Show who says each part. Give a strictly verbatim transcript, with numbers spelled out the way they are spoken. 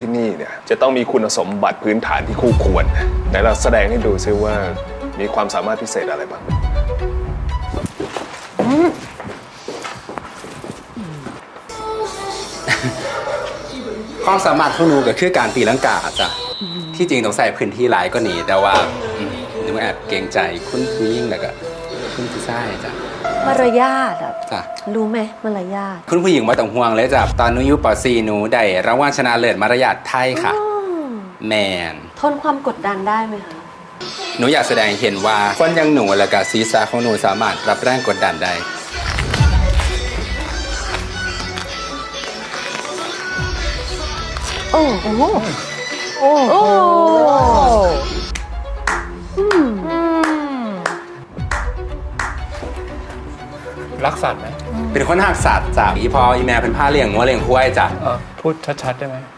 Speaker 1: ที่นี่เนี่ยจะต้องมีคุณสมบัติพื้นฐานที่คู่ควรไหนเราแสดงให้ดูซิว่ามีความสามารถพิเศษอะไรบ้าง
Speaker 2: ความสามารถของหนูก็คือการตีลังกาจ้ะที่จริงต้องใส่พื้นที่หลายก็หนีแต่ว่าหนูแอบเกรงใจคุณผู้หญิงแล้วก็คุณผู้ชายจ้ะ
Speaker 3: มารยาทอ่ะ
Speaker 2: จ้ะ
Speaker 3: รู้ไหมมารยาท
Speaker 2: คุณผู้หญิงไม่ต้องห่วงเลยจ้ะตอนหนูอยู่ป .สี่ หนูได้รางวัลชนะเลิศมารยาทไทยค่ะแมน
Speaker 3: ทนความกดดันได้ไหมคะ
Speaker 2: หนูอยากแสดงเห็นว่าคนอย่างหนูและก็ศีรษะของหนูสามารถรับแรงกดดันได้
Speaker 3: โอ้โหโอ้โห
Speaker 4: รักสัตว์ไหม
Speaker 2: เป็นคนหักสัตว์จ้ะอีพออีแม่เป็นผ้าเลี้ยงงัวเลี้ยงควายจ้ะ
Speaker 4: พูดชัดๆได้ไหม